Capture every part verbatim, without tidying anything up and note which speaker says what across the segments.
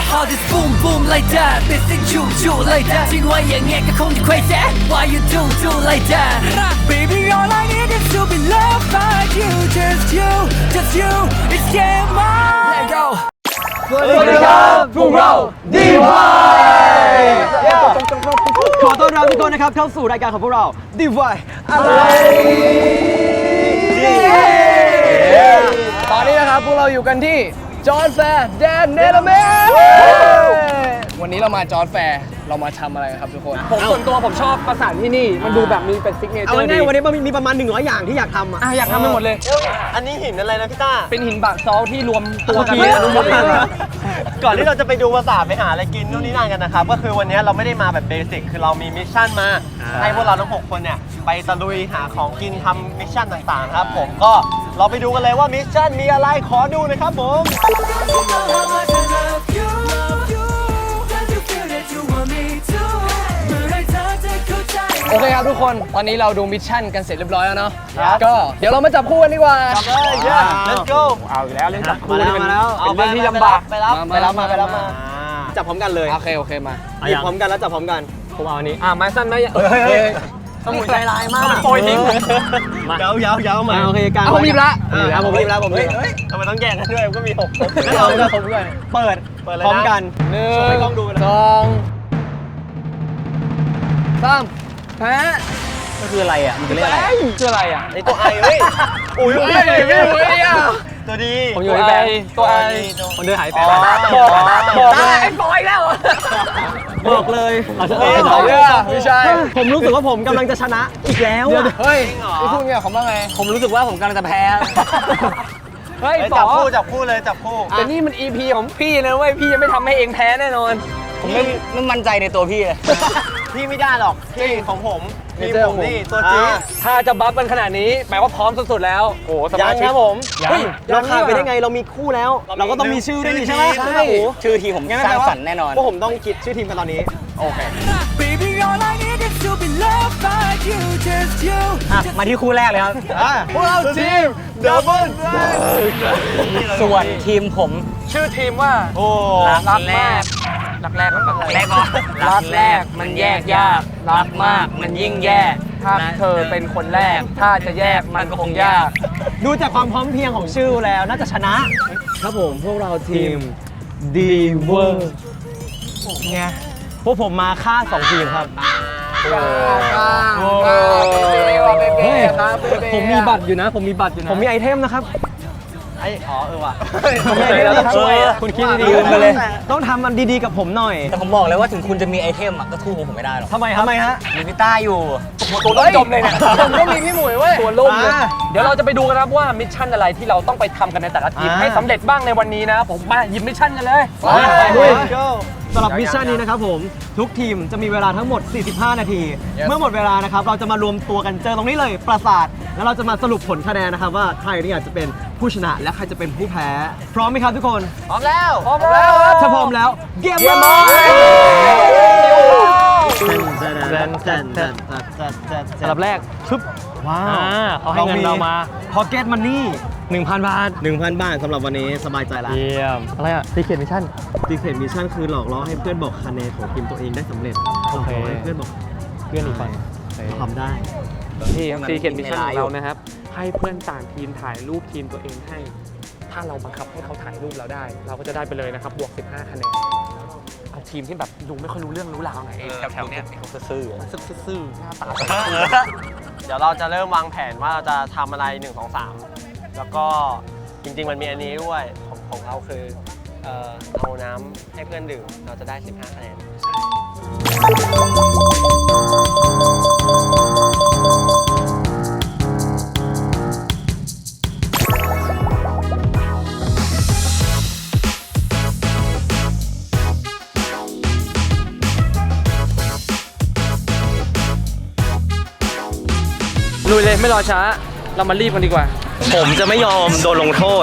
Speaker 1: All this boom boom like that ไม่สิจูจู like that ทิ้งไว้อย่างเงี้ยก็คงจะ crazy Why you do do like that Baby all I need is to be loved by you Just you just you it's game on Let go
Speaker 2: สวัสดีครับพวกเราดีวายขอต้อนรับทุกคนนะครับเข้าสู่รายการของพวกเราดีวายอะไรตอนนี้นะครับพวกเราอยู่กันที่จอร์จแฟร์แดนเนเธอร์แลนด์วันนี้เรามาจอร์จแฟร์เรามาทำอะไรครับทุกคนผมส่วนตัวผมชอบประสานที่นี่มันดูแบบมีเป็นซิกเนเจอร์ดีเอาง่ายวันนี้มันมีประมาณหนึ่งร้อยอย่างที่อยากทำอ่ะอยากทำไปหมดเลย
Speaker 3: อันนี้หินอะไรนะพี่ต้า
Speaker 2: เป็นหินบาซอลที่รวมตัวกัน
Speaker 3: ก่อนที่เราจะไปดูปราสาทไปหาอะไรกินนู่นนี่นั่นกันนะครับก็คือวันนี้เราไม่ได้มาแบบเบสิกคือเรามีมิชชั่นมาให้พวกเราทั้งหกคนเนี่ยไปตะลุยหาของกินทำมิชชั่นต่างๆครับผมก็เราไปดูกันเลยว่ามิชชั่นมีอะไรขอดูนะครับผม
Speaker 2: โอเคครับทุกคนตอนนี้เราดูมิชชั่นกันเสร็จเรียบร้อยแล้วเนาะก็เดี๋ยวเรามาจับคู่กันดีกว่า
Speaker 3: จับเลย let's go
Speaker 2: เอาอีกแล้วเล่นจับคู่
Speaker 3: นี่เป็นเรื่องที่ลำบากไปรับไปรับมาไปรับมาจับพร้อมกันเลย
Speaker 2: โอเคโอเคมา
Speaker 3: หยิบพร้อมกันแล้วจับพร้อมกัน
Speaker 2: ผมเอาอันนี้อ่ะไม้สั้นไหมเฮ้ยต้องหัวใจร้ายมาก
Speaker 3: โปรยทิ้งเยาเยาเยามา
Speaker 2: โอเคการผมรีบละ
Speaker 3: ผมรีบละผมรีบทำไมต้องแย่งกันด้วยก็มีหกคน
Speaker 2: เราจะผมด้วย
Speaker 3: เปิดเปิดเลยพร้อมกัน
Speaker 2: หนึ่งสองสามแพ้
Speaker 3: มันคืออะไรอ่ะมันคืออะไร
Speaker 2: คืออะไรอ่ะ
Speaker 3: ไอตัวไอเฮ้ยอุ้ยไม่ไม่ไม่อ่ะตัวดี
Speaker 2: ผมอยู่ในแบงตัวไอคนเดินหายไปบอกบอกเลยไอ้บอยแล้วบอกเลยไม่ใช่ผมรู้สึกว่าผมกำลังจะชนะอีกแล้วเฮ้ยพี่พูดเนี่ยผมว่าไงผมรู้สึกว่าผมกำลังจะแพ้
Speaker 3: เฮ้ยจับคู่จับคู่เลยจับคู่
Speaker 2: แต่นี่มัน อี พี ของพี่นะเว้ยพี่ยังไม่ทำให้เองแพ้แน่นอนผมไม่ไม่มั่นใจในตัวพี่เลย
Speaker 3: พี่ไม่ได้หรอกพี่ของผมพี่ผมนี่ตัวจริง
Speaker 2: ถ้าจะบัฟกันขนาดนี้แปลว่าพร้อมสุดๆแล้ว
Speaker 3: โอ้สบายครับผมเราขาดไปได้ไงเรามีคู่แล้วเราก็ต้องมีชื่อด้วยนี่ใช่ไหมใช่
Speaker 2: ชื่อทีมผมสร้างสรรค์แน่นอน
Speaker 3: พวกผมต้องคิดชื่อทีมกันตอนนี้โอเค
Speaker 2: มาที่คู่แรกเลยครับ
Speaker 3: พวกเราทีมดับเบิล
Speaker 2: ส่วนทีมผมชื่อทีมว่า
Speaker 3: โอ้
Speaker 2: รักแรกรักแรกรักแรกรักแรกมันแยกยากรักมากมันยิ่งแย่ถ้าเธอเป็นคนแรกถ้าจะแยกมันก็คงยากดูจากความพร้อมเพรียงของชื่อแล้วน่าจะชนะครับผมพวกเราทีมดีเวอร์ไงพวกผมมาฆ่าสองทีมครับผมมีบัตรอยู่นะผมมีบัตรอยู่นะผมมีไอเทมนะครับ
Speaker 3: ไอ้อ๋อเออว่ะ
Speaker 2: ผมไม่ได้ต้องช่วยคุณคิดดีๆเลยต้องทำมันดีๆกับผมหน่อย
Speaker 4: แต่ผมบอกเลยว่าถึงคุณจะมีไอเทมก็สู้ผมไม่ได้หรอก
Speaker 2: ทำไมทำไมฮะ
Speaker 4: มีพี่ต้าอยู่
Speaker 2: ตัวล่มจมเลยเนี่ยผมก็มีพี่หมวยเว้ยตัวล่มเลยเดี๋ยวเราจะไปดูกันครับว่ามิชชั่นอะไรที่เราต้องไปทำกันในแต่ละทีมให้สำเร็จบ้างในวันนี้นะผมมาหยิบมิชชั่นกันเลยสำหรับมิชชั่นนี้นะครับผมทุกทีมจะมีเวลาทั้งหมดสี่สิบห้านาทีเมื่อหมดเวลานะครับเราจะมารวมตัวกันเจอตรงนี้เลยปราสาทแล้วเราจะมาสรุปผลคะแนนนะครับว่าใครนี่อาจจะเป็นผู้ชนะและใครจะเป็นผู้แพ้พร้อมไหมครับทุกคน
Speaker 3: พร้อมแล้ว
Speaker 2: พร้อมแล้วถ้าพร้อมแล้วเกมบอลสำหรับแรกชึบว้าวเขาให้เงินเรามาพ็อกเก็ตมันนี่หนึ่งพัน บาท
Speaker 3: หนึ่งพัน บาทสำหรับวันนี้สบายใจแล้ว
Speaker 2: เยี่ยมอะไรอ่ะซีเคทมิชชั่น
Speaker 3: ซีเคทมิชชั่นคือหลอกล่อให้เพื่อนบอกคะแนนของทีมตัวเองได้สำเร็จ
Speaker 2: โอเค
Speaker 3: ให้เพื่อนบอก
Speaker 2: เพื่อนอีกฝั่ง
Speaker 3: ทำได้
Speaker 2: ที่ซีเคทมิชชั่นของเรานะครับให้เพื่อนต่างทีมถ่ายรูปทีมตัวเองให้ถ้าเราบังคับให้เขาถ่ายรูปเราได้เราก็จะได้ไปเลยนะครับบวกสิบห้าคะแนนเอาทีมที่แบบดูไม่ค่อยรู้เรื่องรู้ราวหน่อยแถวๆเนี้ย
Speaker 4: เขาซื่อ
Speaker 2: ซื่อหน้าตา
Speaker 3: เดี๋ยวเราจะเริ่มวางแผนว่าเราจะทำอะไรหนึ่ง สอง สามแล้วก็จริงๆมันมีอันนี้ด้วยของของเราคือเอาน้ำให้เพื่อนดื่มเราจะได้สิบห้าคะแนน
Speaker 2: ลุยเลยไม่รอช้าเรามารีบกันดีกว่า
Speaker 3: ผมจะไม่ยอมโดนลงโทษ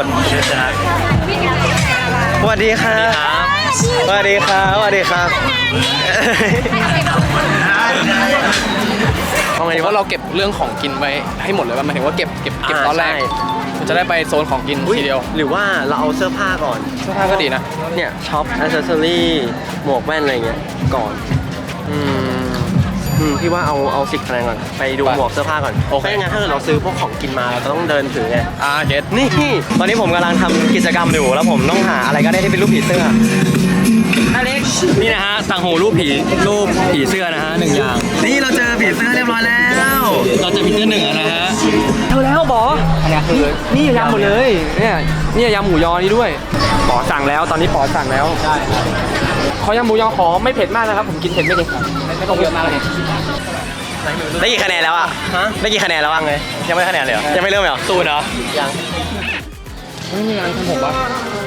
Speaker 3: สวัสดีครับสวัสดีครับสวัสดีครับเอาไง
Speaker 2: เพ
Speaker 3: ดี
Speaker 2: ราะ
Speaker 3: วะ
Speaker 2: เราเก็บเรื่องของกินไว้ให้หมดเลยว่าหมายถึงว่าเก็บเก็บเก็บตอนแรก
Speaker 3: อ่าใช่
Speaker 2: มันจะได้ไปโซนของกิน
Speaker 3: อุ๊ย
Speaker 2: ทีเดียว
Speaker 3: หรือว่าเราเอาเสื้อผ้าก่อน
Speaker 2: เสื้อผ้าก็ดีนะ
Speaker 3: เนี่ยช็อปอ c เซสซอรี่หมวกแว่นอะไรเงี้ยก่อนอืมอืมพี่ว่าเอาเอาสิบคะแนนก่อนไปดู
Speaker 2: ไป
Speaker 3: หมวกเสื้อผ้าก่อน
Speaker 2: โอเค
Speaker 3: ไม่งั้นถ้าเกิดเราซื้อพวกของกินมาเราต้องเดินถือไง
Speaker 2: อ่าเก็ต
Speaker 3: นี่ตอนนี้ผมกำลังทำกิจกรรมอยู่แล้วผมต้องหาอะไรก็ได้ที่เป็นรูปผีเสื้ออเล็กนี่นะฮะต่างหูรูปผีรูปผีเสื้อนะฮะหนึ่งอย่างนี่เราเจอผีเสื้อเรียบร้อยแล้วเราเจอผีเสื้อหนึ่งนะฮะ
Speaker 2: เท่าแล้วบออันนี้คือนี่ยำหมดเลยเนี่ยนี่ยำหมูยอนี่ด้วยปอสั่งแล้วตอนนี้ปอสั่งแล้วใช่ขอยำหมูยอขอไม่เผ็ดมากนะครับผมกินเผ็ดไม่เก่งไม่ต้องเยอะมากเลย
Speaker 3: ได้กี่คะแนนแล้วอ่ะฮะได้กี่คะแนนแล้วอ่ะไงยังไม่คะแนนเลยเหรอยังไม่เริ่มเหรอศูนย์เหรอยัง
Speaker 2: ไม่มีงานทำผมปะ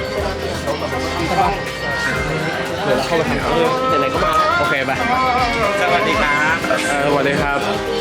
Speaker 2: เดี๋ยวเราเข้าไปทำเขา
Speaker 3: ไหนๆก็มา
Speaker 2: โอเคไป
Speaker 3: สวัสดีครับ
Speaker 2: เออสวัสดีครับ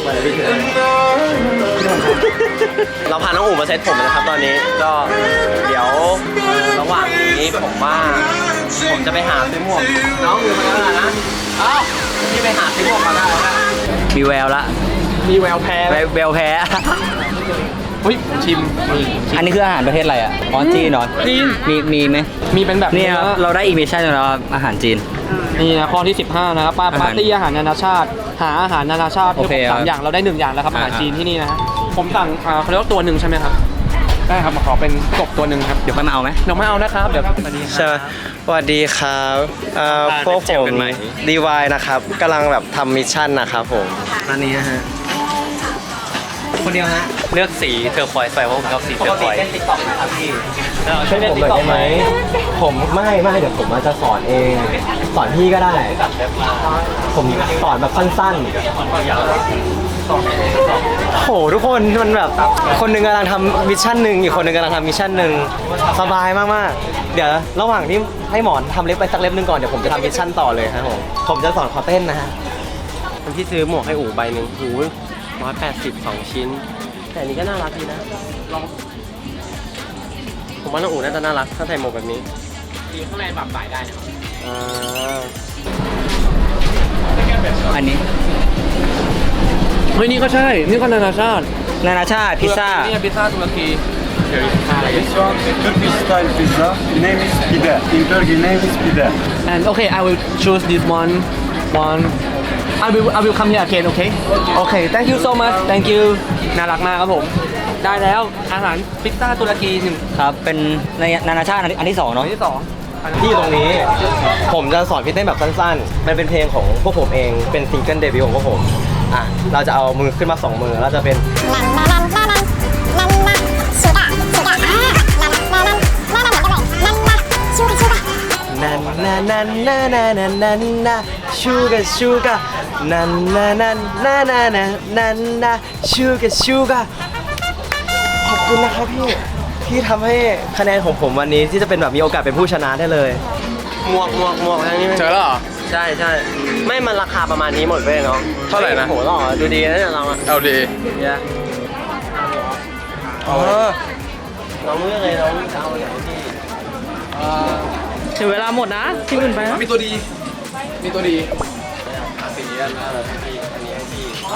Speaker 3: เราพาน้องอู๋มาเซ็ตผมนะครับตอนนี้ก็เดี๋ยวระหว่างนี้ผมว่าผมจะไปหาซื้อหมวกน้องอยู่มาแล้วนะเอ้าพี่ไปหาซื้อหมวกมาได้แล้วนะ
Speaker 4: มีแววละ
Speaker 2: มีแววแพ้ไหม
Speaker 4: แววแพ้
Speaker 2: เฮ้ยชิม
Speaker 4: อันนี้คืออาหารประเทศอะไรอ่ะอ๋อจีนเหรอ
Speaker 2: จีน
Speaker 4: มีมีไหม
Speaker 2: มีเป็นแบบ
Speaker 4: เนี่ยครับเราได้อิมิชั่นแล้วครับอาหารจีน
Speaker 2: นี่นะข้อที่สิบห้านะครับปา
Speaker 4: อาหาร
Speaker 2: ปาร์ตี้อาหารนานาชาติ หาอาหารนานาชาติ
Speaker 4: โอเค
Speaker 2: สาม
Speaker 4: ครับ
Speaker 2: อย่างเราได้หนึ่งอย่างแล้วครับอาหาร
Speaker 4: อ่า
Speaker 2: จีนที่นี่นะฮะผมสั่งอ่าเขาเรียกว่าตัวหนึ่งใช่ไหมครับได้ครับขอเป็นกบตัวหนึ่งครับ
Speaker 4: เดี๋ยวค่อยมาเอาไหม
Speaker 2: เดี๋ยวไม่เอานะครับเดี๋ยวสวัสดีครับ
Speaker 3: ใช่ไหมสวัสดีครับเอ่อพวกผมดีวายนะครับกำลังแบบทำมิชชั่นนะครับผมอันนี้ฮะคนเดียวฮะ
Speaker 4: เลือกสีเทอร์ควอยส์ไปเพราะผมชอบสี
Speaker 3: ป
Speaker 4: เทอก ร์
Speaker 3: ติ
Speaker 4: ควอยส์
Speaker 3: เล่นติ๊กต็อกไหมครับพี่ช่วยผมหน่อยได้ไหมผมไม่ไม่เดี๋ยวผมจะสอนเองสอนพี่ก็ได้ ผมสอนแบบสั้นๆโหทุกคนมันแบบคนหนึ่งกำลังทำมิชชั่นหนึ่งอีกคนหนึ่งกำลังทำมิชชั่นหนึ่งสบายมากๆเดี๋ยวระหว่างที่ให้หมอนทำเล็บไปสักเล็บหนึ่งก่อนเดี๋ยวผมจะทำมิชชั่นต่อเลยครับผมผมจะสอนขอเต้นนะฮะคนที่ซื้อหมวกให้อู๋ใบหนึ่งหูร้อยแปดสิบสองชิ้น แต่อันนี้ก็น่ารักดีนะลองผมว่าน้องอู๋น่าจะน่ารักถ้าใส่หมวกแบบนี้
Speaker 2: อยู่ข้างในปรับสายได้นะครับ
Speaker 3: อ่า
Speaker 4: อันนี้
Speaker 2: เฮ้ยนี่ก็ใช่นี่ก็นานาชาติ
Speaker 4: นานาชาติพิซซ่า
Speaker 2: นี่พิซซ่าตุรกี
Speaker 5: This one, the Turkish style pizza. Name is pide. In Turkey, name is pide.
Speaker 2: and okay I will choose this one one I will I will come here again okay okay thank you so much thank you น่ารักมากครับผมได้แล้วอาหารพิซซ่าตุรกีหนึ่ง
Speaker 4: ครับ เป็นในนานาชาติอันอันที่สอง
Speaker 2: อั
Speaker 4: เนาะ
Speaker 2: นที่สอง
Speaker 3: ที่ตรงนี้ ผมจะสอนพี่เต้นแบบสั้นๆ มันเป็นเพลงของพวกผมเอง เป็นซิงเกิลเดบิวต์ของพวกผม อ่ะ เราจะเอามือขึ้นมาสองมือ แล้วจะเป็น นันนานันนานานานันนาชูกะชูกะนันนานันนานานานันนาชูกะชูกะขอบคุณนะครับพี่ ที่ทำให้คะแนนของผมวันนี้ที่จะเป็นแบบมีโอกาสเป็นผู้ชนะได้เลยหมวกหมวกหมวกทางนี้
Speaker 2: เจอแล้วเหรอ
Speaker 3: ใช่ใช่ไม่มันราคาประมาณนี้หมดเว้ยเนาะ
Speaker 2: เท่าไหร่นะ
Speaker 3: โหหล่อดูดีนะเนี่ยเราอะ
Speaker 2: เอาดี
Speaker 3: เนี่ย
Speaker 2: อ๋อ
Speaker 3: น้องเลือกเลยน้องจะเอาไหนพี่
Speaker 2: ถึงเวลาหมดนะที่อื่นไปนะมีตัวดี มีตัวดี
Speaker 3: สีอันนั้นพี่อันนี้ให้พี่เอา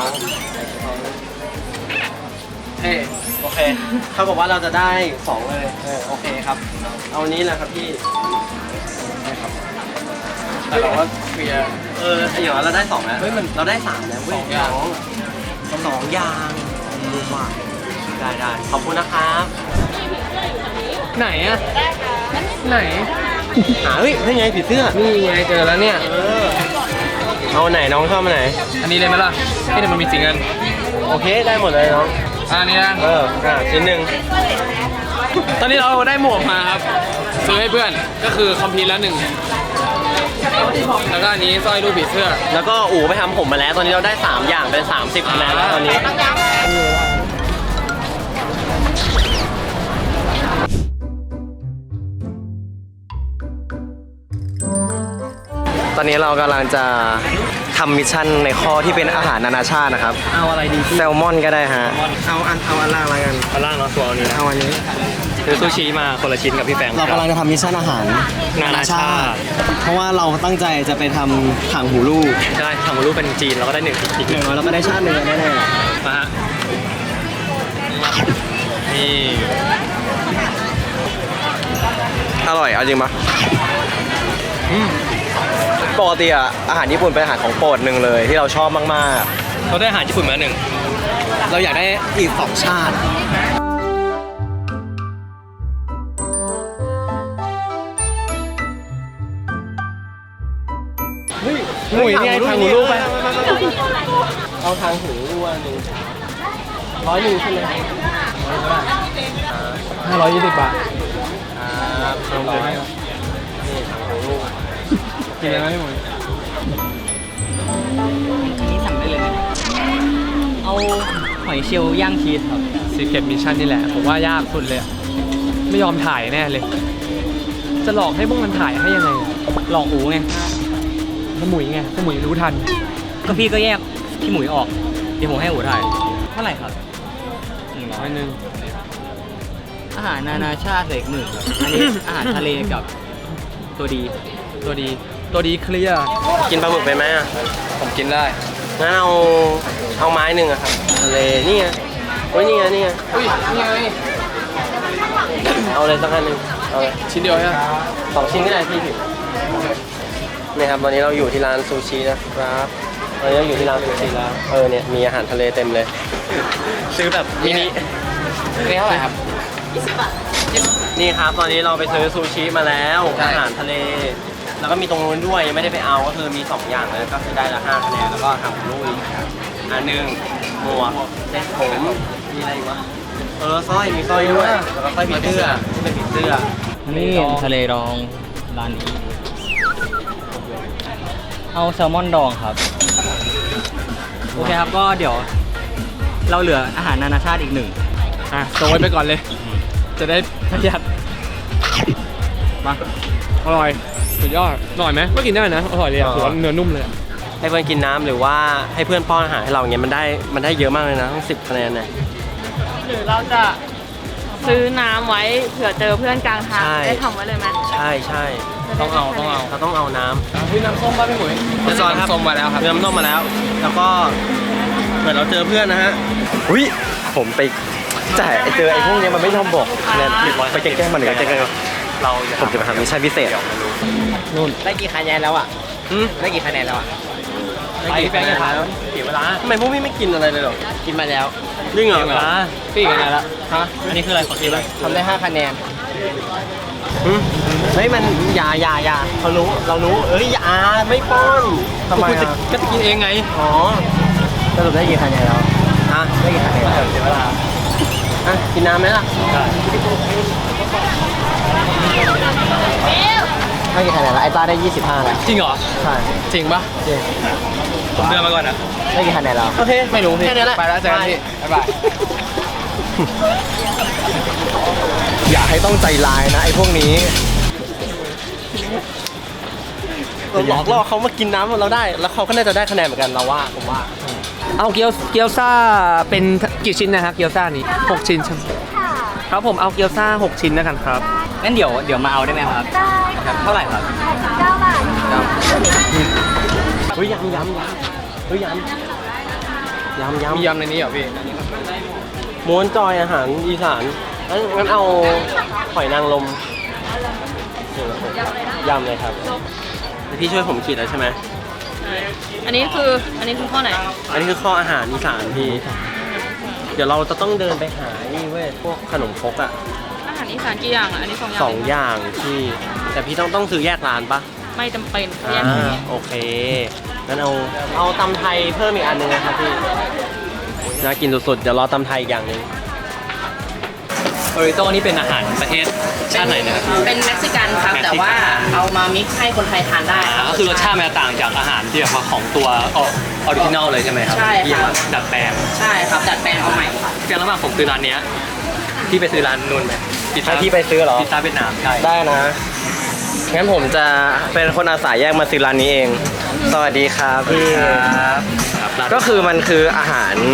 Speaker 2: เฮ้ย
Speaker 3: โอเคเท่ากับว่าเราจะได้สองเลยเออโอเคครับ เอาอันนี้แหละครับพี่
Speaker 2: แต่เราก็เคลียร์
Speaker 3: เอออย่างน้อยเราได้สองแล้ว
Speaker 2: เฮ้ยมัน
Speaker 3: เราได้สามแล้วเว้
Speaker 2: สองอย่าง
Speaker 3: สองสองอย่างดูว่าได้ได้ขอบคุณนะครับ
Speaker 2: ไหนอะไหน
Speaker 3: หาเฮ้ยนี่ไงผีเสื้อ
Speaker 2: นี่ไงเจอแล้วเนี่ย
Speaker 3: เออเอาไหนน้องชอบมาไหน
Speaker 2: อันนี้เลยไหมล่ะเฮ้ยเดี๋ยวมันมีสีเงิน
Speaker 3: โอเคได้หมดเลยน้อง
Speaker 2: อะอันนี้นะ
Speaker 3: เอออ่ะชิ้นหนึ่ง
Speaker 2: ตอนนี้เราได้หมวกมาครับ ซื้อให้เพื่อน ก็คือคอมพิวแล้วหนึ่ง แล้วก็อันนี้สร้อยรูปผีเสื้อ
Speaker 3: แล้วก็อู๋ไปทำผมมาแล้ว ตอนนี้เราได้สามอย่างเป็นสามสิบคะแนนแล้วตอนนี้ตอนนี้เรากำลังจะทำมิชชั่นในข้อที่เป็นอาหารนานาชาตินะครับ
Speaker 4: เอาอะไรดี
Speaker 3: แซลมอนก็ได้ฮะ เอาอันเอาอันล่างอะไรกัน
Speaker 4: เอาล่างเนาะตัวนี้
Speaker 3: เอาอันนี้
Speaker 2: ซื้อซูชิมาคนละชิ้นกับพี่แฟง
Speaker 3: เรากำลังจะทำมิชชั่นอาหาร
Speaker 2: นานาชาติ
Speaker 3: เพราะว่าเราตั้งใจจะไปทำถังหูลูก
Speaker 2: ใช่ทำรูปเป็นจีนเราก็ได้หนึ่งอีก
Speaker 3: อีกหนึ่งเราก็ได้ชาติหนึ่งแน่
Speaker 2: มาฮะนี่
Speaker 3: ๆอร่อยเอาจริงปะปกติอะอาหารญี่ปุ่นเป็นอาหารของโปรดหนึ่งเลยที่เราชอบมาก
Speaker 2: เราได้อาหารญี่ปุ่นมาหนึ่ง
Speaker 3: ๆ เราอยากได้อีกสองชาติหมุยนี่ไงทางหูลูกไปเอาทางหูลูกอันหนึ่งร้อยหนึ่งใช่ไหม
Speaker 2: ห้าร้อยยี่สิบบาท
Speaker 3: ครับสองร้อยนี่ทางหูลูก
Speaker 2: กินอะไรไหมหมด
Speaker 4: นี่สั่งได้เลยไหมเอาหอยเชลล์ย่างชีสครับ
Speaker 2: ซีเคทมิชชั่นนี่แหละ ผมว่ายากสุดเลยอะไม่ยอมถ่ายแน่เลย จะหลอกให้พวกมันถ่ายให้ยังไงอะ
Speaker 4: หลอกอูไง
Speaker 2: สมุยไงสมุยรู้ทัน
Speaker 4: ก็พี่ก็แยกพี่หมุยออก เดี๋ยวผมให้อูถ่าย เท่าไหร่ครับหนึ่งร้
Speaker 2: ร้
Speaker 4: อ
Speaker 2: อย ยหนึ่ง
Speaker 4: อาหารนานาชาติเสกหนึ่งครับอันนี้ อาหารทะเลกับตัวดี
Speaker 2: ตัวดี ตัวดีเคลียร์
Speaker 3: กินปลาหมึกไปไหมอ่ะ
Speaker 2: ผมกินได้
Speaker 3: งั้นเอาเอาไม้หนึ่งอะครับทะเลนี่ไงโอ้ยนี่ไงนี่ไง
Speaker 2: อุ้ยนี่ไง
Speaker 3: เอาเลยสักอันหนึ่งเอาเลย
Speaker 2: ชิ้นเดียวใช่ไหม
Speaker 3: สองชิ้นก็ได้พี่ผิวนี่ครับตอนนี้เราอยู่ที่ร้านซูชินะครับตอนนี้เราอยู่ที่ร้านซูชิแล้วเออเนี่ยมีอาหารทะเลเต็มเลย ซื้อแบบมินิ
Speaker 2: นี่เท่าไหร่ครับ
Speaker 3: นี่ครับตอนนี้เราไปซื้อซูชิมาแล้ว
Speaker 2: ใช่
Speaker 3: อาหารทะเล แล้วก็มีตรงนู้นด้วยยังไม่ได้ไปเอาก็คือมีสองอย่างเลยก็คือได้ละห้าคะแนนแล้วก็ทำลูกอีกอันหนึ่งหมวกเซ็ตผมมีอะไรอีกวะเออสร้อยมีสร้อยด้วยแล้วก็สร้อยผีเสื้อที่เป็นผีเสื้อ
Speaker 4: นี่ทะเลดองร้านนี้ เอาแซลมอนดองครับ โอเคครับก็เดี๋ยว เราเหลืออาหารนานาชาติอีกหนึ่ง
Speaker 2: อ่ะส่งไว้ไปก่อนเลย จะได้ประหยัด มา อร่อย สุดยอด อร่อยไหมก็กินได้นะ อร่อยเลยอ่ะถือว่าเนื้อนุ่มเลยอะ
Speaker 3: ให้เพื่อนกินน้ำหรือว่าให้เพื่อนป้อนอาหารให้เราอย่างเงี้ยมันได้มันได้เยอะมากเลยนะทั้งสิบคะแนนเนี่ย
Speaker 6: หรือเราจะซื้อน้ำไว้เผื่อเจอเพื่อนกลางทาง
Speaker 3: ใช่
Speaker 6: ได้ทำไว้เลยไหม
Speaker 3: ใช่ใช่
Speaker 2: ต้องเอาต้องเอา
Speaker 3: เราต้องเอาน้ำ
Speaker 2: พี่น้ำส้มป่ะพี่หมุย
Speaker 3: เรียบร้อยครับ
Speaker 2: น้ำส้มมาแล้วครับ
Speaker 3: เริ่มต้มมาแล้ว แล้วก็เหมือนเราเจอเพื่อนนะฮะอุ้ยผมไปแต่เจอไอ้พวกเนี้ยมันไม่ยอมบอกเนี่ยไปแกล้งๆมันหรือแกล้งๆเราผมจะไปทำมิชชั่นพิเศษนู่น
Speaker 4: ได้กี่คะแนนแล้วอ่ะ
Speaker 3: อืม
Speaker 4: ได้กี่คะแนนแล้วอ่ะ
Speaker 2: ไปแฟนจะถามเสียเวลา
Speaker 3: ทำไมพวกพี่ไม่กินอะไรเลยหรอ
Speaker 4: กินมาแล้ว
Speaker 3: จริงเหรอ
Speaker 2: เสียเวลาพี่กันไงละฮะ
Speaker 4: อันนี้คืออะไรขอทีเลยทำได้ห้าคะแนน
Speaker 3: อืมเฮ้ยมันอย่าอย่าอย่าเขารู้เรารู้เอ้ยอย่าไม่ป้อนทำไม
Speaker 2: ก็จะ
Speaker 3: อ่ะ
Speaker 2: ก็จะกินเองไง
Speaker 3: อ๋อ
Speaker 4: สรุปได้กี่คะแนนแล้ว
Speaker 3: ฮะ
Speaker 4: ได้กี่คะแนนแล้วเสียเวลา
Speaker 3: อ่ะกินน้ำไหมล่ะ
Speaker 4: ได้กี่คะแนนแล้วไอ้ต้าได้ยี่สิบห้าแล้ว
Speaker 2: จริงเหรอ
Speaker 4: ใช่
Speaker 2: จริงปะ
Speaker 4: จริง
Speaker 2: ผมเดินมาก่อนนะ
Speaker 4: ได้กี่คะแนนแล้ว
Speaker 3: โอเค
Speaker 2: ไม่รู้พี่
Speaker 3: แค่นี้แหละ
Speaker 2: ไปแล้วเจอกันพี่บ๊ายบาย
Speaker 3: อย่าให้ต้องใจร้ายนะไอ้พวกนี้เราหลอกล่อเขามากินน้ำเราได้ แล้วเขาก็น่าจะได้คะแนนเหมือนกันเราว่าผมว่า
Speaker 2: เอาเกี๊ยวเกี๊ยวซ่าเป็นกี่ชิ้นนะครับเกี๊ยวซ่านี้หกชิ้นใช่ไหมครับผมเอาเกี๊ยวซ่าหกชิ้นแล้วกันครับ
Speaker 4: งั้นเดี๋ยวเดี๋ยวมาเอาได้ไหมครับ ได้เท่าไหร่ครับ
Speaker 3: เฮ้ยยำยำยำเฮ้ยยำยำยำ
Speaker 2: มียำในนี้เหรอพี่
Speaker 3: ม้วนจอยอาหารอีสานงั้นงั้นเอาหอยนางรมยำเลยครับพี่ช่วยผมขีดแล้วใช่ไหม
Speaker 6: อันนี้คืออันนี้คือข้อไหน
Speaker 3: อันนี้คือข้ออาหารอีสานพี่ เดี๋ยวเราจะต้องเดินไปหานี่เว้ยพวกขนมครกอ่ะ
Speaker 6: อาหารอีสานกี่อย่างอ่ะอันนี้สองอย่าง
Speaker 3: สองอย่างพี่ แต่พี่ต้องต้องซื้อแยกร้านปะ
Speaker 6: ไม่จำเป็นแย
Speaker 3: อ่าก
Speaker 6: นี้
Speaker 3: โอเคงั้นเอาเอาตำไทยเพิ่มอีกอันหนึงนะครับพี่น่ากินสุดๆเดี๋ยวรอตำไทยอีกอย่างหนึง
Speaker 2: โอริโต้นี่เป็นอาหารประเทศชาติไหนนะครับ
Speaker 7: เป็นเม็กซิกันครับ แต่ว่าเอามามิกซ์ให้คนไทยทานได้ครับ
Speaker 2: ก็คือรสชาติมันจะต่างจากอาหารที่แบบว่าของตัวออริจินอลเลยใช่ไหมครับ
Speaker 7: ใช่ครับ
Speaker 2: ที่มาดัดแปลง
Speaker 7: ใช่ครับดัดแปลงเอาใหม่ครับ
Speaker 2: เพียงระหว่างผมซื้อร้านเนี้ยพี่ไปซื้อร้านนู้นไหมพิซซ่า
Speaker 3: ถ้าพี่ไปซื้อเหรอ
Speaker 2: พิซซ่าเวียดนามใช่
Speaker 3: ได้นะ งั้นผมจะเป็นคนอาสาแยกมาซื้อร้านนี้เอง สวัสดีครับพี่
Speaker 2: ครับครับร้าน
Speaker 3: ก็คือมันคืออาหาร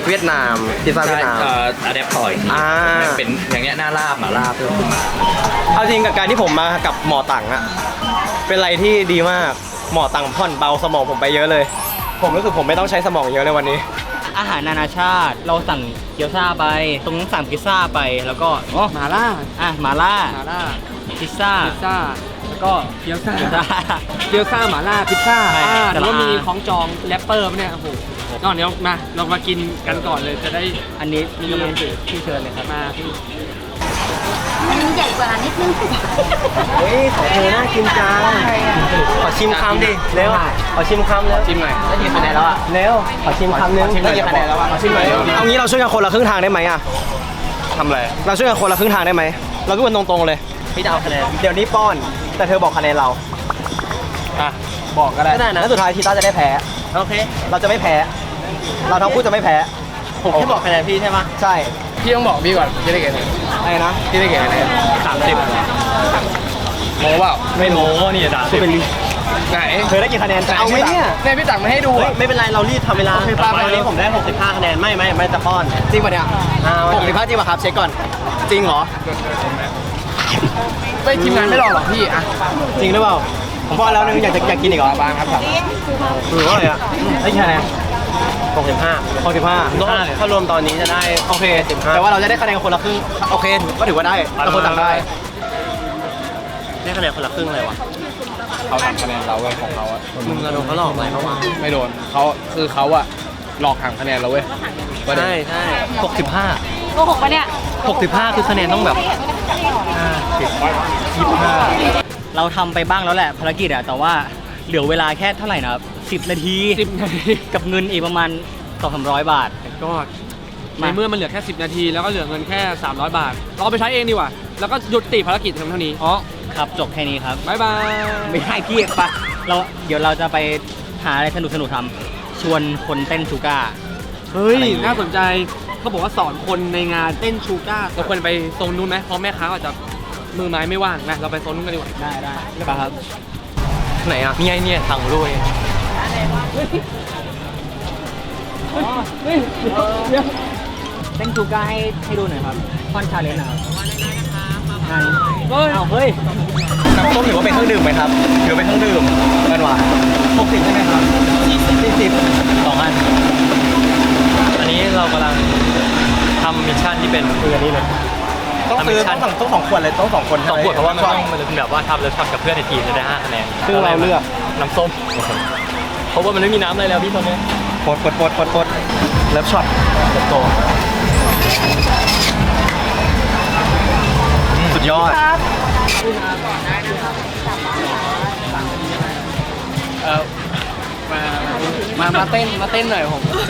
Speaker 3: เวียดนามพิซซ่าเวียดนาม
Speaker 8: เอ่ออะแดปถอย
Speaker 3: อ่า
Speaker 8: เป็นอย่างเงี้ยหน้าลาบหมาลาบเพิ่มขึ้นมา
Speaker 3: เอาจริงกับการที่ผมมากับหมอตังอะเป็นอะไรที่ดีมากหมอตังผ่อนเบาสมองผมไปเยอะเลย ผมรู้สึกผมไม่ต้องใช้สมองเยอะเลยวันนี้
Speaker 4: อาหารนานาชาติเราสั่งเกี๊ยวซ่าไป ตรงนั้นสั่งพิซซ่าไปแล้วก็อ๋อ
Speaker 2: หมาล่า
Speaker 4: อ่ะหมาล่า
Speaker 2: หมาล่า
Speaker 4: พิซซ่า
Speaker 2: พิซซ่าแล้วก็เกี๊ยวซ่า
Speaker 4: เกี๊ยวซ่า
Speaker 2: เกี๊ยวซ่าหมาล่าพิซซ่า
Speaker 4: ใช่
Speaker 2: อ่า
Speaker 4: แต่
Speaker 2: แล้ว
Speaker 4: ละ
Speaker 2: มีของจองแรปเปอร์ปะเนี่ยโอ้โหก่อนเดี๋ยวมาเรามากินกันก่อนเลยจะได้
Speaker 4: อันนี้
Speaker 2: มี
Speaker 4: มี
Speaker 2: กำลังใจ
Speaker 4: ที่เชิญเลยครับ
Speaker 2: มาพี่
Speaker 9: มันใหญ่กว่านิดนึง
Speaker 3: เฮ้ยของเธอน่ากินจังขอชิมคำดิเร็วขอชิมคำเร็ว
Speaker 2: ชิมหน่อย
Speaker 3: ได้กี่คะแนนแล้วอ่ะเร็วขอชิมคำนึงได้กี่คะแนนแล้วอ่ะขอชิมหน่อยเอางี้เราช่วยกันคนละครึ่งทางได้ไหมอ่ะ
Speaker 8: ทำอะไร
Speaker 3: เราช่วยกันคนละครึ่งทางได้ไหมเราพูดกันตรงๆเลยพี่จะเอาคะแนนเดี๋ยวนี้ป้อนแต่เธอบอกคะแนนเรา
Speaker 2: อ่ะบอกก็ได้
Speaker 3: ก็ได้นะแล้วสุดท้ายทีต้าจะได้แพ้โอเคเราจะไม่แพ้ เราทั้งคู่จะไม่แพ้ผมแค่บอกคะแนนพี่ใช่ไหมใช่
Speaker 2: พี่ต้องบอกพี่ก่อนพี่ได้กี่คะแนน
Speaker 3: อะไรนะ
Speaker 2: พี่ได้กี่คะแนนสามสิบโม้เปล่า
Speaker 3: ไม่โม้นี่สามสิบ
Speaker 2: ไหน
Speaker 3: เธอได้กี่คะแนนเอาไหมเนี่ย
Speaker 2: เนี่ยพี่ตักมาให้ดู
Speaker 3: เฮ้ย
Speaker 2: อ่ะ
Speaker 3: ไม่เป็นไรเรารีบทำเวลา
Speaker 2: โอเคป้า
Speaker 3: วันนี้ผมได้หกสิบห้าคะแนนไม่ไม่ไม่จะป้อนจริงป่ะเนี่ยหกสิบห้าจริงป่ะครับเช็คก่อนจริงเหรอ
Speaker 2: ไม่ทีมงานไม่รอหรอกพี่อ่ะ
Speaker 3: จริงหรือเปล่าผมป้อนแล้วนึงอยากจะอยากกินอีกเหรอ
Speaker 2: บ้างครับ
Speaker 3: คือว่าอะไรอ่ะได้กี่คะแนนหกสิบห้าหกสิบห้าถ้ารวมตอนนี้จะได้โอเคแต่ว่าเราจะได้คะแนนคนละครึ่งโอเคก็ถือว่าได้เราคนต่างได้ได้คะแนนคนละครึ่งเลยวะ
Speaker 2: เขาทำคะแนนเราเว้ยของเขาอ่ะ
Speaker 3: มึงกระโดนเขาหลอกอะไรเขาวะ
Speaker 2: ไม่โดนเขาคือเขาอะหลอกหักคะแนนเราเว้ย
Speaker 3: ใช่ใช่หกสิบห้า
Speaker 9: โกหกปะเนี่ย
Speaker 3: หกสิบห้าคือคะแนนต้องแบบยี่สิบห้า
Speaker 4: เราทำไปบ้างแล้วแหละภารกิจอะแต่ว่าเหลือเวลาแค่เท่าไหร่นะครับสิบนาที
Speaker 2: สิบนาที
Speaker 4: กับเงินอีกประมาณสองสามร้อยบาท
Speaker 2: ก็ในเมื่อมันเหลือแค่สิบนาทีแล้วก็เหลือเงินแค่สามร้อยบาทเราเอาไปใช้เองดีกว่าแล้วก็หยุดติภารกิจเพียงเท่านี้
Speaker 4: อ๋อครับจบแค่นี้ครับ
Speaker 2: บ๊ายบาย
Speaker 4: ไม่ใช่พี่ปะเราเดี๋ยวเราจะไปหาอะไรสนุกสนุกๆทำชวนคนเต้นชูก้า
Speaker 2: เฮ้ย
Speaker 4: อะไรอย่างเงี้ย
Speaker 2: น่าสนใจเขาบอกว่าสอนคนในงานเต้นชูก้าเราควรไปโซนนู้นไหมเพราะแม่ค้าอาจจะมือไม้ไม่ว่างนะเราไปโซนนู้นกันดีกว่า
Speaker 4: ได้ได้ปะครับ
Speaker 3: ไหนอ่ะนี่ไงเนี่ยทางลุย
Speaker 4: เต้นชูก้าให้ให้ดูหน่อยครับคอนชาเลนจ์นะครับงานอ้าวเฮ้ย
Speaker 3: น้ำส้มถือว่าเป็นเครื่องดื่มไหมครับถือเป็นเครื่องดื่มกันวะหกสิบใช่ไหมครับสี่สิบสี่สิบสองอันอันนี้เรากำลังทำมิชชั่นที่เป็นคืออันนี้เลยต้องซื้อต้องสองต้องสองขวดเลยต้องสองคนสองขวดเพราะว่ามันต้องมันเป็นแบบว่าทำแล้วช็อตกับเพื่อนในทีมจะได้ห้าคะแนนซึ่งเราเลือกน้ำส้มเพราะว่ามันไม่มีน้ำอะไรแล้วพี่ตอนนี้ปดปดปดปดปดแล้วช็อตโตสุดยอด
Speaker 2: เออมามามาเต้นมาเต้นหน่อยผม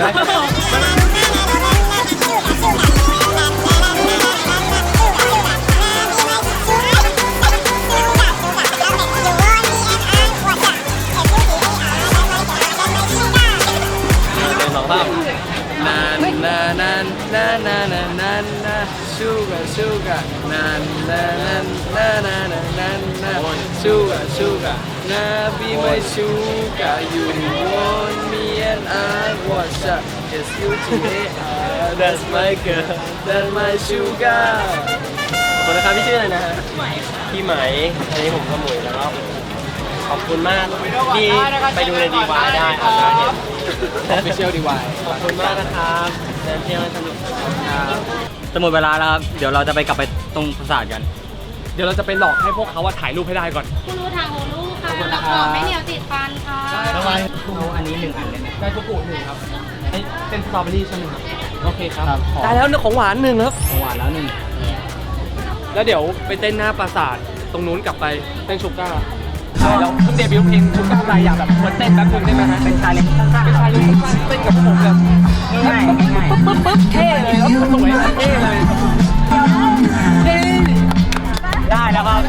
Speaker 3: สองภาพ
Speaker 2: นานนานนานนานนานนานนาชูกะชูกะนานนานนานนานนานนานชูกะชูกะนา be my sugar you want me and I want ya just you today that's my girl that's my sugar
Speaker 3: ขอบคุณนะครับพี่ชื่ออะไรนะฮะพี่ไหมอันนี้ผมขโมยแล้วก็ขอบคุณมากที่ไปดูในดีวายได้อาจจะเห็น
Speaker 2: Official ดี วาย
Speaker 3: ขอบคุณมากนะครับเดินเที่ยวให้สนุกครับ
Speaker 4: จะหมดเวลาแล้วครับ เดี๋ยวเราจะไปกลับไปตรงปราสาทกัน
Speaker 2: เดี๋ยวเราจะไปหลอกให้พวกเขาว่าถ่ายรูปให้ได้ก่อน
Speaker 9: คุณรู้ทางโอลูค่ะ
Speaker 2: ขอบคุณ
Speaker 9: แล้ว
Speaker 2: ครั
Speaker 9: ก็
Speaker 2: บ
Speaker 9: ไม่เหนียวติดฟันค่ะ
Speaker 2: ทำไม
Speaker 4: เอาอันนี้หนึ่งอันได้ไหม
Speaker 2: ได้ทุกกุหนึ่งครับไอ้เป็นสตรอเบอรี่ใช่ไหมครับโอเคครับ
Speaker 4: ครับ
Speaker 2: ได้แล้วเนื้อของหวานหนึ่งครับ
Speaker 4: ของหวานแล้วหนึ่ง
Speaker 2: แล้วเดี๋ยวไปเต้นหน้าปราสาทตรงนู้นกลับไปเต้นชูก้าแล้วเพิ่งเดบิวต์เพลงชูก้าอะไรอยากแบบเหมือนเต้นแป๊บนึงได้ไหมฮะ
Speaker 4: เป็นชาเลนจ์ข้างๆ
Speaker 2: เป็นชายเลยเต้นกับพวกผมแบบ
Speaker 4: ง่ายๆง่าย
Speaker 2: ปึ๊บปึ๊บปึ๊บเท่เลยแล้วสวยเท่เลยเท่
Speaker 4: ๆได้แล้วครับ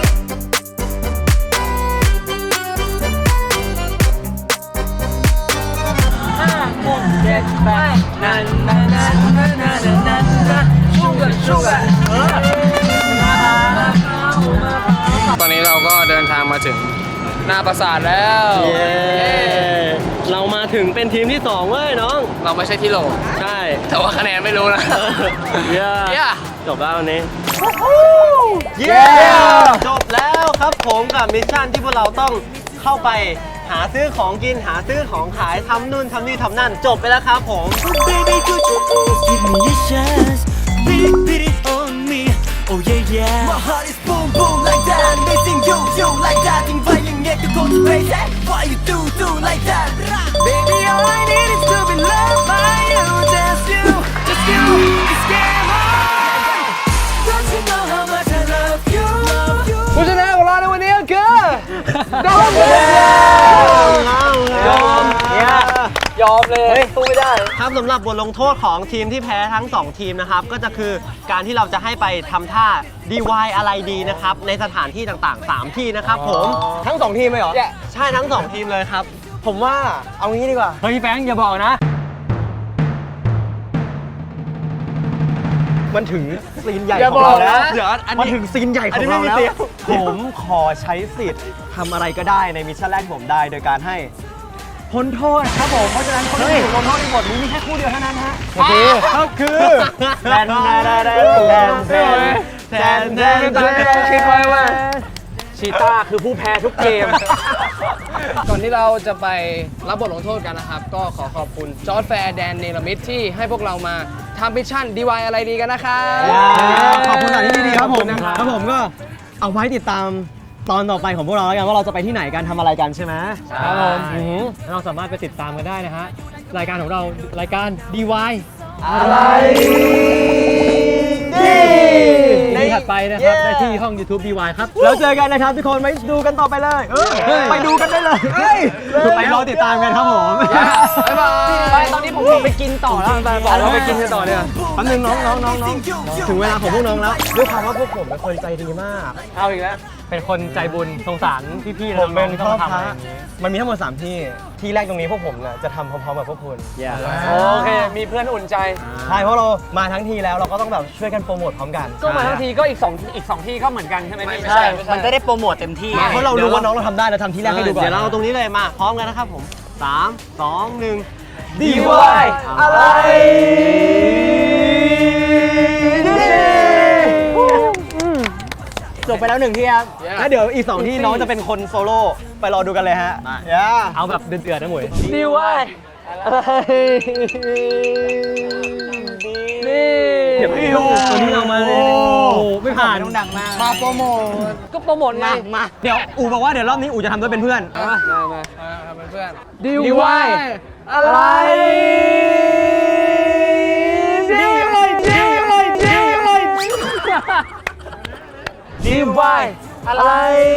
Speaker 2: เจ็ดแปดนันนันนันนันนันนันนันชูก้าชูก้าตอนนี้เราก็เดินทางมาถึงหน้าปราสาทแล้ว
Speaker 3: เย้เรามาถึงเป็นทีมที่สองเว้ยน้อง
Speaker 2: เราไม่ใช่ที่โหล
Speaker 3: ใช่
Speaker 2: แต่ว่าคะแนนไม่รู้นะ
Speaker 3: เย้
Speaker 2: เย้
Speaker 3: จบแล้ววันนี้เย้จบแล้วครับผมกับมิชชั่นที่พวกเราต้องเข้าไปหาซื้อของกินหาซื้อของขายทำนู่นทำนี่ทำนั่นจบไปแล้วครับผม
Speaker 1: Baby could you please give me a chance Beat it beat it on me Oh yeah yeah My heart is boom boom like that Missing you you like that Think why you get to go to crazy Why you do do like that Baby all I need is to be loved by you Just you just you It's game on Don't you know how much I love you
Speaker 2: ผู้ชนะของเราในวันนี้ก็คือดอมเลย
Speaker 3: ยอมเนี่ย
Speaker 2: ยอมเลยสู้ไม่ได้
Speaker 3: ครับสำหรับบทลงโทษของทีมที่แพ้ทั้งสองทีมนะครับก็จะคือการที่เราจะให้ไปทำท่า ดี วาย อะไรดีนะครับในสถานที่ต่างๆสามที่นะครับผมทั้งสองทีมเลยเหรอใช่ทั้งสองทีมเลยครับผมว่าเอางี้ดีกว่า
Speaker 2: เฮ้ยแฟงอย่าบอกนะ
Speaker 3: มันถึงซีนใหญ่
Speaker 2: อย่า
Speaker 3: ของเรา
Speaker 2: บอกนะ
Speaker 3: แล้วเดี๋ยวอันนี้มันถึงซีนใหญ่ของเราแล้วผมขอใช้สิทธิ์ทำอะไรก็ได้ในมิชชั่นแรกผมได้โดยการให้พ้นโทษครับผมเพราะฉะนั้นคนที่ถูกลงโทษในบทนี้มีแค่คู่เดียวเท่านั้นฮะโอเคก็คือแทนแทนแทนแทนแทนแทนแทน
Speaker 2: ตอนแรกเราคิดไว้ว่าชีต้าคือผู้แพ้ทุกเกม ก่อนที่เราจะไปรับบทลงโทษกันนะครับ ก็ขอขอบคุณจอร์จแฟร์แดนเนลมิดที่ให้พวกเรามาทำมิชชั่น ดี วาย อะไรดีกันนะครับ
Speaker 3: ขอบคุณสถานที่ดีๆครับผม
Speaker 2: นะครับ
Speaker 3: ครับผมก็เอาไว้ติดตามตอนต่อไปของพวกเราแล้วกันว่าเราจะไปที่ไหนกันทำอะไรกันใช่ไหม
Speaker 2: ครับผม
Speaker 3: อือหือ
Speaker 2: เราสามารถไปติดตามกันได้นะฮะรายการของเรารายการ ดี วาย
Speaker 3: อะไรดี
Speaker 2: ในถัดไปนะครับได้ที่ห้อง YouTube ดี วาย ครับ
Speaker 3: แล้วเจอกันนะครับทุกคนไปดูกันต่อไปเลยไปดูกันได้เลยไปรอติดตามกันครับผม
Speaker 2: บ๊ายบายไปตอนนี้ผมไปกินต่อแล้วไปบอกเราไปกินกันต่อเนี่ย
Speaker 3: แป๊บนึงน้องน้องน้องน้องถึงเวลาของพวกน้องแล้วด้วยความว่าพวกผมเป็นคนใจดีมาก
Speaker 2: เอาอีกแล้ว เป็นคนใจบุญสงสารพี่ๆ
Speaker 3: ผมเป็น
Speaker 2: น้
Speaker 3: พ่
Speaker 2: อ
Speaker 3: อง
Speaker 2: ๆที่ต้อง
Speaker 3: พระ
Speaker 2: ทำอะไรอย่างนี้
Speaker 3: มันมีทั้งหมดสามที่ที่แรกตรงนี้พวกผมเนี่ยจะทำพร้อมๆกับพวกคุณ
Speaker 2: โอเค มีเพื่อนอุ่นใจ
Speaker 3: ใช่เพราะเรามาทั้งทีแล้วเราก็ต้องแบบช่วยกันโปรโมทพร้อมกัน
Speaker 2: ก็มาทั้งทีก็อีกสองอีกสองที่ก็เหมือนกันใช่ไหมพี่
Speaker 7: ใช่ มันจะได้โปรโมทเต็มที่
Speaker 3: เพราะเรารู้ว่าน้องเราทำได้เราทำที่แรกให้ดูก่อนเดี๋ยวเราเอาตรงนี้เลยมาพร้อมกันนะครับผมสามสองหนึ่ง
Speaker 2: ดี วาย อะไร
Speaker 3: จบไปแล้วหนึ่งที่ครับแล้วเดี๋ยวอีกสองที่น้องจะเป็นคนโซโล่ไปรอดูกันเลยฮะย่า
Speaker 2: เอาแบบเดือดๆนะหมวยดีวายนี่
Speaker 3: เดี๋ยวพี่ดูตัวนี้เรามาเลย
Speaker 2: โอ้ไม่ผ่าน
Speaker 7: ต้องดังมาก
Speaker 2: มาโปรโมทก็โปรโมทไง
Speaker 3: มาเดี๋ยวอูบอกว่าเดี๋ยวรอบนี้อูจะทำด้วยเป็นเพื่อน
Speaker 2: มามามาเป็นเพื่อนดีวายอะไรดีอะไรดีอะไรดีอะไรดีวายอะไร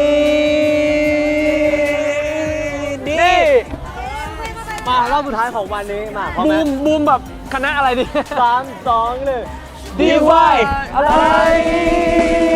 Speaker 2: ดีมารอบสุดท้ายของวันนี้มาบูมบูมแบบคณะอะไรดีสามสองหนึ่งดีวายอะไร